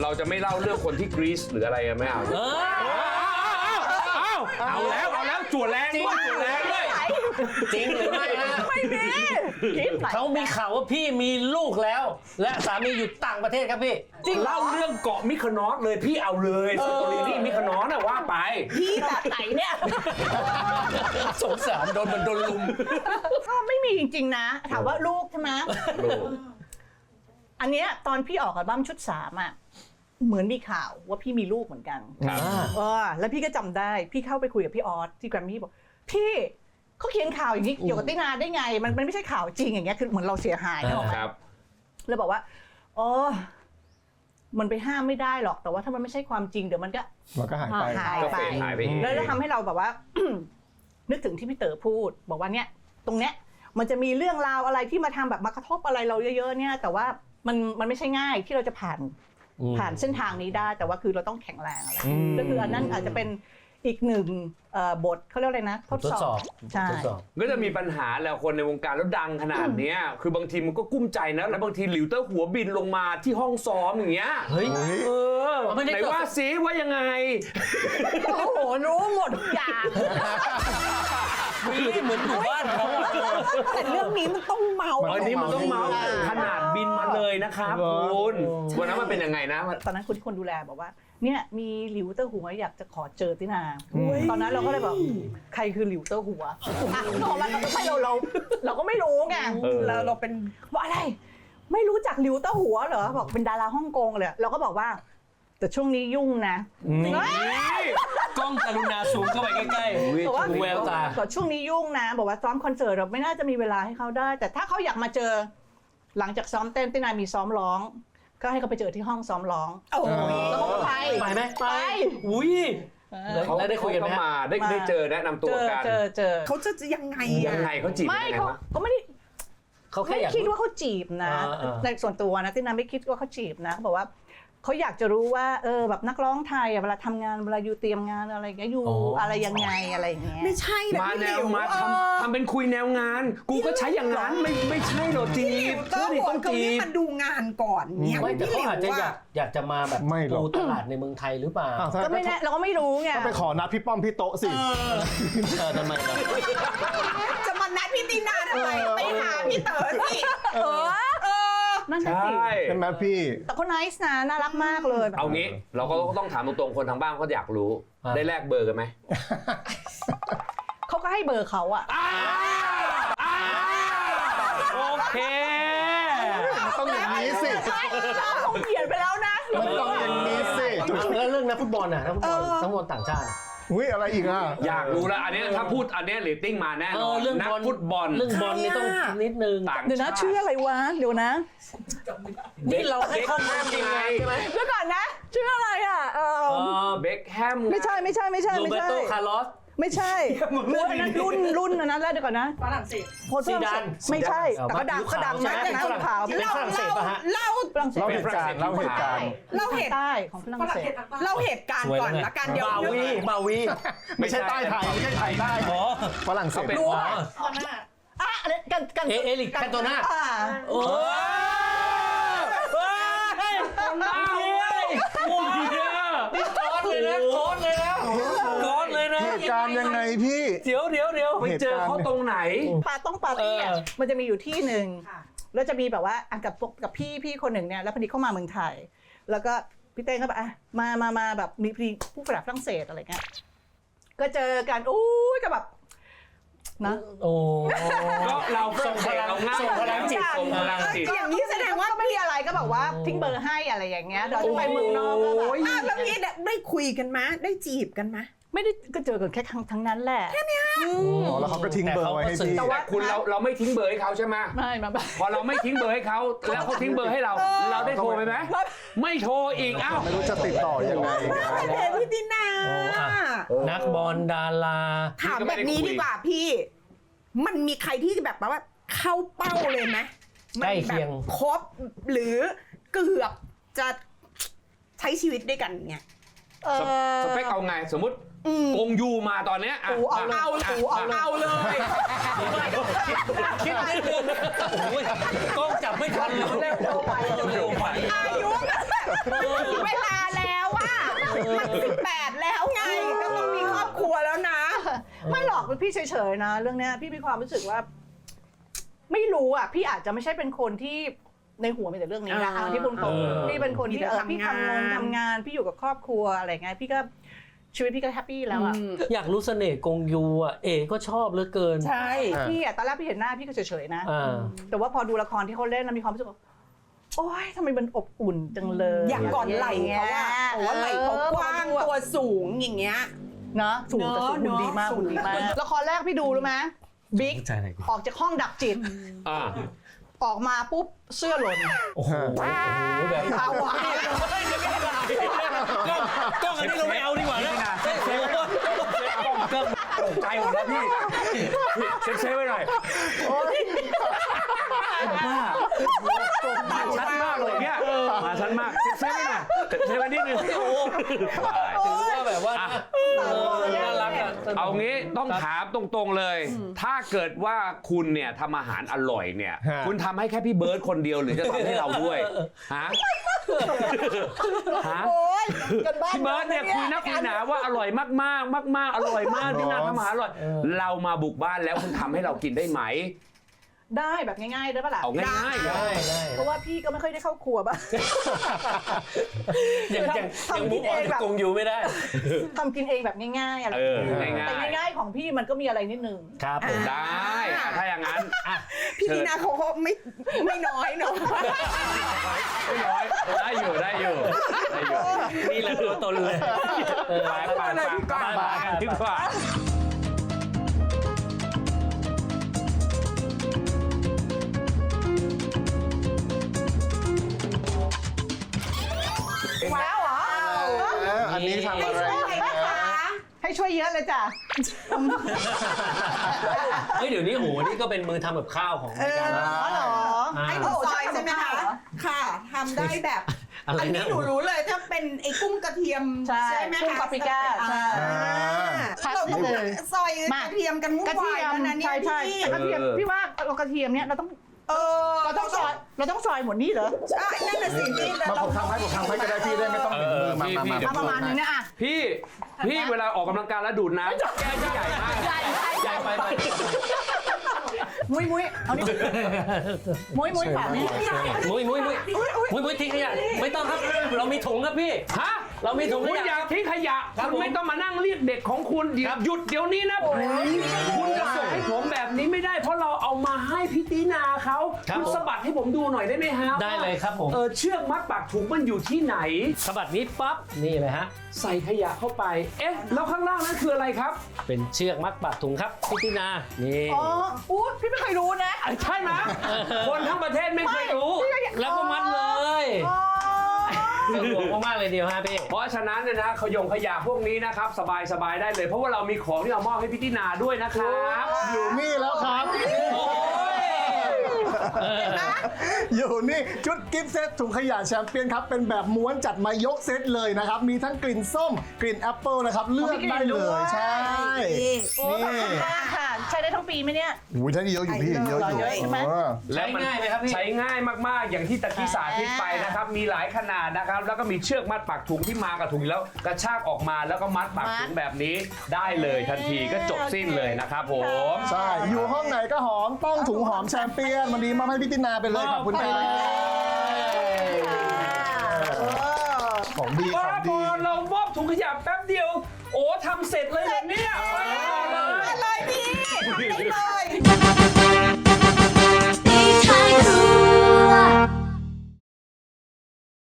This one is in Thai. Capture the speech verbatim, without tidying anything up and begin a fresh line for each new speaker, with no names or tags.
เราจะไม่เล่าเรื่องคนที่กรีซหรืออะไรกันไม่เอาเอาเอาแล้วเอาแล้วจวดแรงด้วยจวดแรงด้วย
จริงหรือไม่ฮะ
ไม่มี
เขามีข่าวว่าพี่มีลูกแล้ว และสามีอยู่ต่างประเทศครับพี่
จริงเล่าเรื่องเกาะมิคโนสเลยพี่เอาเลยสตอรี่ที่มิคโนสน่ะว่าไป
พี่แบบไหนเนี่ย
สงสารโดนมันโดนลุม
ก็ไม่มีจริงๆนะถามว่าลูกใช่ไหมอันเนี้ยตอนพี่ออกอัลบั้มชุดสามอ่ะเหมือนมีข่าวว่าพี่มีลูกเหมือนกัน
ครับ
เออแล้วพี่ก็จำได้พี่เข้าไปคุยกับพี่ออสที่แกรมมี่บอกพี่เขาเขียนข่าวอย่างนี้เกี่ยวกับตินาได้ไงมันมันไม่ใช่ข่าวจริงอย่างเงี้ยคือเหมือนเราเสียหายนะ
ครับ
แล้วบอกว่าอ๋อมันไปห้ามไม่ได้หรอกแต่ว่าถ้ามันไม่ใช่ความจริงเดี๋ยวมันก็
มันก็หายไป
หาย
ก็
ไป
เฟดหายไปเอง
แล้วจะทำให้เราแบบว่า นึกถึงที่พี่เต๋อพูด บอกว่าเนี่ยตรงเนี้ยมันจะมีเรื่องราวอะไรที่มาทำแบบมากระทบอะไรเราเยอะๆเนี่ยแต่ว่ามันมันไม่ใช่ง่ายที่เราจะผ่านผ่านเส้นทางนี้ได้ แต่ว่าคือเราต้องแข็งแรงอะไรก็คืออันนั้นอาจจะเป็นอีกหนึ่งบทเขาเรียกอะไรนะทดสอบใช่
ก็จะมีปัญหาแล้วคนในวงการแล้วดังขนาดเนี้ยคือบางทีมันก็กุ้มใจนะแล้วบางทีหลิวเตอร์หัวบินลงมาที่ห้องซ้อมอย่างเงี้ย
เฮ้ย
เออไหนว่าซิว่ายังไง
โอ้โหรู้หมดทุกอย่าง
เหมือนอยู่บ้านเขา
แต่เรื่องนี้มันต้องเมา
อันนี้มันต้องเมาส์ขนาดบินมาเลยนะครับคุณวันนั้นมันเป็นยังไงนะ
ตอนนั้นคนที่คนดูแลบอกว่าเนี่ยมีหลิวเตอร์หัวอยากจะขอเจอตินาตอนนั้นเราก็เลยบอกใครคือหลิวเตอร์หัวตอนนั้นไม่เราเราเราก็ไม่รู้ไงเราเราเป็นว่าอะไรไม่รู้จักหลิวเตอร์หัวเหรอบอกเป็นดาราฮ่องกงเลยเราก็บอกว่าแต่ช่วงนี้ยุ่งนะ
กล้องกรุณาซูมเข้าไปใกล้ๆ
บอกว่า
แววตา
บอกช่วงนี้ยุ่งนะบอกว่าซ้อมคอนเสิร์ตเราไม่น่าจะมีเวลาให้เขาได้ แต่ถ้าเขาอยากมาเจอหลังจากซ้อมเต้นตินามีซ้อมร้องก็ให้เขาไปเจอที่ห้องซ้อมร้องแล้วเขาก็ไป
ไปไหมไปอุ้ย
เขา
แล้วได้คุยกันไหม
เขามาได้ได้เจอแนะนำตัวกัน
เจอเจอ
เขาจะยังไง
ยังไงเขาจีบ
ไม่
ยังไง
เขา
วะ
เขาไม่ได้
เขาแค่
ไม่
อยาก
คิดว่าเขาจีบนะ
อ่าอ่า
ในส่วนตัวนะตินาไม่คิดว่าเขาจีบนะเขาบอกว่าเขาอยากจะรู้ว่าเออแบบนักร้องไทยอะเวลาทำงานเวลาอยู่เตรียมงานอะไรอย่างเงี้ยอยู่อะไรยังไงอะไรอย่างเงี้ย
ไม่ใช่นะ
มา
พี่
แน
หลิ
ว
ว
มา
เอ
ทำ
อ
ทำเป็นคุยแนวงาน กูก็ใช้อย่างนั้นไม่ไม่ใช่หรอกจี
พี่หลิ
บ
วเตอร์หัว
ต้อง
เขา
จี
เรียก
บ
มาดูงานก่อนเนี่ย
ไม่แต่
พี่
เขา
หลิว
อาจจะอยา
ว่าก
อยากจะมาแบบ
ไม่หรอก
ปูตลาดในเมืองไทยหรือเปล่า
อ้าวถ้า
ก็ไม่แน่เราก็ไม่รู้ไง
ก็ไปขอนัดพี่ป้อมพี่โต๊ะสิ
เออทำไมล่ะ
จะมานัดพี่ตีนาทำไมไปหาพี่เต๋อสิ
เออเออนั่น
ใช
น่ะสิ
่
เป็นไหมพี่
แต่เขาไนส์นะน่ารักมากเลยแบบ
เอางี้เราก็ต้องถามตรงๆคนทางบ้านเขาอยากรู้ ได้แลกเบอร์กันไหม
เขาก็ให้เบอร์เขาอะ
โอเค
ต้องอย่างนี้สิ
เขาเขียนไปแล้วนะ
มันต้องอย่างนี้สิ
แล้วเรื่องนักฟุตบอลน่ะนักฟุตบอลนักฟุตบอลต่างชาติอะ
อุ้ยอะไรอีกอ่ะ
อยากรู้แล้วอันนี้ถ้าพูดอันนี้เรตติ้งมาแน่นอน
เรื่อง
นัก
บอล
ฟุตบอล
เรื่องบอลนี่ต้องนิดนึง
ต่าง
เดี๋ยวนะ
ชาติ
ชื่ออะไรวะเดี๋ยวนะ
นี่เราให้ข้อมูลยังไงใช่ไหม
เดี๋ยวก่อนนะชื่ออะไรอะเออ
เบคแฮม
ไม่ใช่ไม่ใช่ไม่ใช่
โร
ไม่
เบ
ใช่
โตคาร์ลอส
ไม่ใช่
มึงเลือก
อันนั้นรุ่นรุ่นอันนั้นแล้วเดี๋ยวก่อนนะ
ฝรั่งเศส
คนฝรั่งเศส
ซีดาน
ไม่ใช่
เอา
แต่ก็ดัง
ผิว
ก็
ขาว
ดัง
ใช่
นะ
ไหม
นะขาว
เป็นฝรั่งเศสป่ะฮะ
เล่า
ฝรั่งเศส
เล่าเหตุการณ์เล่าเหตุการณ์
เล่าเหตุ
ใต้ของฝรั่งเศส
เล่าเหตุการณ์ก่อนละกันเดี๋ยว
บาวีบาวี
ไม่ใช่ใต้ไทยไม่ใช่ไทยใต้
อ๋อ
ฝรั่งเศส
รู้อ่ะอ่ะอะไรกันกัน
เอเอลิกแคโตนา
อ่า
โอ้เฮ้ยเอาเลยโอ้ยนี่ก้อนเลยนะก้อนเลยนะก้อนเลยนะ
เหตุการณ์ยังไงพี่
เดี๋ยวเดี๋ยวเดี๋ยว
ไปเจอเขาตรงไหน
ปาต้องปาร์ตี้อ่ะ
เออ
มันจะมีอยู่ที่หนึ่งแล้วจะมีแบบว่าอ่ะกับพวกกับพี่พี่คนหนึ่งเนี่ยแล้วพอดีเข้ามาเมืองไทย แล้วก็พี่เต้งก็แบบอ่ะมามามาแบบมีพอดีผู้ฝรั่งเศสอะไรเงี้ยก็เจอกันอู้ยก็แบบนะ
โอ้
ก็เราส่งพลังเราง่าย
ส่งพลังจิต
ส่งพลังจิต
อย่างนี้แสดงว่า
ก็ไม่มีอะไรก็แบบว่าทิ้งเบอร์ให้อะไรอย่างเงี้ยเดี๋ยวจะไปเมืองนอกก็แบบ
อ้าวแล้วนี่ได้คุยกันไหมได้จีบกันไหม
ไม่ได้ก็เจอกันแค่ครั้งทั้งนั้นแหละ
อ๋อแล้วเขาก็ทิ้งเบอร์ไว้ให้พี่
แต่ว่า
แต่คุณเราเราไม่ทิ้งเบอร์ให้เขาใช่ไหม
ไม่มาแบบ
พอเราไม่ทิ้งเบอร์ให้เขาแล้วเขาทิ้งเบอร์ให้เรา เราได้โทรไปไหมไม่โทรอีกเอ้า
ไม่รู้จะติดต่อยังไง
เดพี่ตินา
นักบอลดารา
ถามแบบนี้ดีกว่าพี่ มันมีใครที่แบบว่าเข้าเป้าเลยไหม
ใกล้เคียง
มันแบบครบหรือเกือบจะใช้ชีวิตด้วยกันเนี่ย
เออ
สเปคเอาไงสมมติกงยูมาตอนเนี้ยะ
กูเอาเลย
เอาเลย
ะ
เอาเลย
คิดนิดนึงโอ้ยกล้องจับไม่ทันเลยเร็วไปเร็วไป
อายุเวลาแล้วอะมันสิบแปดแล้วไงก็ต้องมีครอบครัวแล้วนะ
ไม่หรอกพี่เฉยๆนะ เรื่องเนี้ยพี่มีความรู้สึกว่า ไม่รู้อ่ะ พี่อาจจะไม่ใช่เป็นคนที่ในหัวมีแต่เรื่องนี้นะ
อ่า
ที่พูดตรงๆพี่เป็นคนที่
มีแต่
เออพี่
ทำงาน
ทำงานทำงานพี่อยู่กับครอบครัวอะไรเงี้ยพี่ก็ชีวิตพี่ก็แฮปปี้แล้วอ่ะ
อยากรู้เสน่ห์กงยูอ่ะเอก็ชอบเหลือเกิน
ใช่
พี่อ่ะตอนแรกพี่เห็นหน้าพี่ก็เฉยๆนะ
อ่า
แต่ว่าพอดูละครที่เขาเล่นแล้วมีความรู้สึกว่าโอ๊ยทำไมมันอบอุ่นจังเลย
อยากกอดไหล่เขาอะโอ้ไหล่เขากว้าง
เออ
ตัวสูงอย่างเงี้ย
เนาะสูงแต่สูง
เนอะ
หุ่นดีมาก
เนอะ
หุ่นดีมากละครแรกพี่ดูรู้ไหมบิ๊ก
ใจไหนกู
ออกจากห้องดับจิต
อ่า
ออกมาปุ๊บเสื้อหล่น
โอ้โหแบบ
เอาวะ
กล้องอันนี้เราไม่เอาดีกว่านะเฮ้ยโอ้โห
ก็ตกใจหมดแล้วพี่พี่เซ็ตเซฟไว้หน่อยบ้ามาชัดมากเลยเนี่ยมาชัดมากเซ็ตเซฟไว้หน่อยเซ็ตเซฟไว้นิดนึง
ถือว่าแบบว่าเออน่ารักอ่ะ
เอางี้ต้องถามตรงๆเลย ถ้าเกิดว่าคุณเนี่ยทำอาหารอร่อยเนี่ย
ฮะ
คุณทำให้แค่พี่เบิร์ดคนเดียวหรือจะทำให้เราด้วยฮะฮะ
โอ๊ยกันบ้าน
พี่เบิร์ดเนี่ยคุยนักคุยหนาว่าอร่อยมากมากมากมากๆอร่อยมากที่นาทำอาหารอร่อย เรามาบุกบ้านแล้วคุณทำให้เรากินได้ไหม
ได้แบบง่ายๆได้ปะล่ะ
เอาง่ายๆ
ได้ได้
เพราะว่าพี่ก็ไม่ค่อยได้เข้าครัวบ้าง
ยังยังยังมุกออนจากกงยูไม่ได้
ทำกินเองแบบง่ายๆอะไร
เออง่ายๆ
แต่ง่ายๆของพี่มันก็มีอะไรนิดนึง
ครับผม
ได้อ่ะถ้าอย่างนั้นอ่ะ
พี่ดีนาเขาก็ไม่ไม่น้อยเนาะ
ไม่น้อยได้อยู่ได้อยู่ได้อยู่
นี่แหละตัวตนเลยเออ
ไปไปไปไปไปกันดีกว่า
ว้าวเหรอ
เอออันนี้ทำอะไร
ให้ช่วยเยอะเลยจ้ะ
เฮ้ยเดี๋ยวนี้โอ้โหนี่ก็เป็นมือทำกับข้าวของรายการ
อ๋อเหรอ
อ่า
ให้หนูซอยใช่ไหมคะ ค่ะทำได้แบบ
อะไรนะ
อันนี้หนูรู้เลยถ้าเป็นไอ้กุ้งกระเทียม
ใช่
ไหม
กุ้ง
คะ
ปาปริก้าใช่
อ่าเราต้องซอยกระเทียมกันวุ่น
กระเที
วาย
ยม
แล้วนะเนี่
ใช่
ย
ใช่
พี่
แต่กระเทียมพี่ว่าเรากระเทียมเนี่ยเราต้อง
เออ
เราต้องซอยเราต้องซอยหมดนี่เหรอ
ใช่นั่นน่ะสิพี่แต่
มา
เรา
ผมทำให้ผมทำให้ก็ได้พี่ได้ไม่ต้องถึงมือมามามา
เอาประมาณนึงนะอ่ะ
พี่พี่เวลาออกกำลังกายแล้วดูดน้ำแก้วที่ใหญ่มาก
ใหญ่ใหญ่
ใหญ่ไปไป
มุ้ยมุ้ยเอานี่มุ้ยมุ้ยฝากนี่
มุ้ยมุ้ยมุ้ยมุ้ยมุ้ยทิ้งขยะไม่ต้องครับเรามีถุงครับพี่
ฮะ
เรามีถุงข
คุณ
ยะ
อยากทิ้งขยะ
ครับ
คุณไม่
ผม
ต้องมานั่งเรียกเด็กของคุณเดี๋ยวหยุดเดี๋ยวนี้นะคุณจะส่งให้ผมแบบนี้ไม่ได้เพราะเราเอามาให้พี่ตีนาเขาคุณสะบัดให้ผมดูหน่อยได้ไหมฮะ
ได้เลยครับผม
เออเชือกมัดปากถุงมันอยู่ที่ไหน
สะบัดนี้ปั๊บนี่เลยฮะ
ใส่ขยะเข้าไป เอ๊ะ แล้วข้างล่างนั้นคืออะไรครับ
เป็นเชือกมัดปากถุงครับพี่ตินานี่
อ๋ออู้พี่ไม่เคยรู้นะ
ใช่ไหมคนทั้งประเทศไม่เคยรู้
แล้วก็มัดเลย
อ๋อ
สะดวกมากๆเลยเดียวฮะพี่
เพราะฉะนั้นเนี่ยนะขยงขยะพวกนี้นะครับ สบายสบายๆได้เลย เพราะว่าเรามีของที่เรามอบให้พี่ตินาด้วยนะครับ
อยู่นี่แล้วครับ
โอ้ยเออ
อยู่นี่ชุดกิฟต์เซตถุงขยะแชมเปี้ยนครับ เป็นแบบม้วนจัดมายกเซตเลยนะครับ มีทั้งกลิ่นส้ม กลิ่นแอปเปิลนะครับ เลือกได้เลย ใช่
โอ้ขอบคุณมากค่ะ ใช้ได้ทั้งปีไหมเนี่ย
อุ้ยท่านเยอะอยู่พี่เยอะอยู่
เยอะใช่ไหม
เออ
ใช้ง่ายไหมครับพี่
ใช้ง่ายมาก ๆ อย่างที่ตะกี้สาธิตไปนะครับ มีหลายขนาดนะครับ แล้วก็มีเชือกมัดปากถุงที่มากับถุงแล้วกระชากออกมาแล้วก็มัดปากถุงแบบนี้ได้เลยทันทีก็จบสิ้นเลยนะครับผม
ใช่ อยู่ห้องไหนก็หอม ต้องถุงหอมแชมเปี้ยน วันนี้มาให้พี่ตินาไปเลย ขอบคุณครับของดี ข
บ้า
อง
บ
ดี
อเรามอบถุงขยะแป๊บเดียว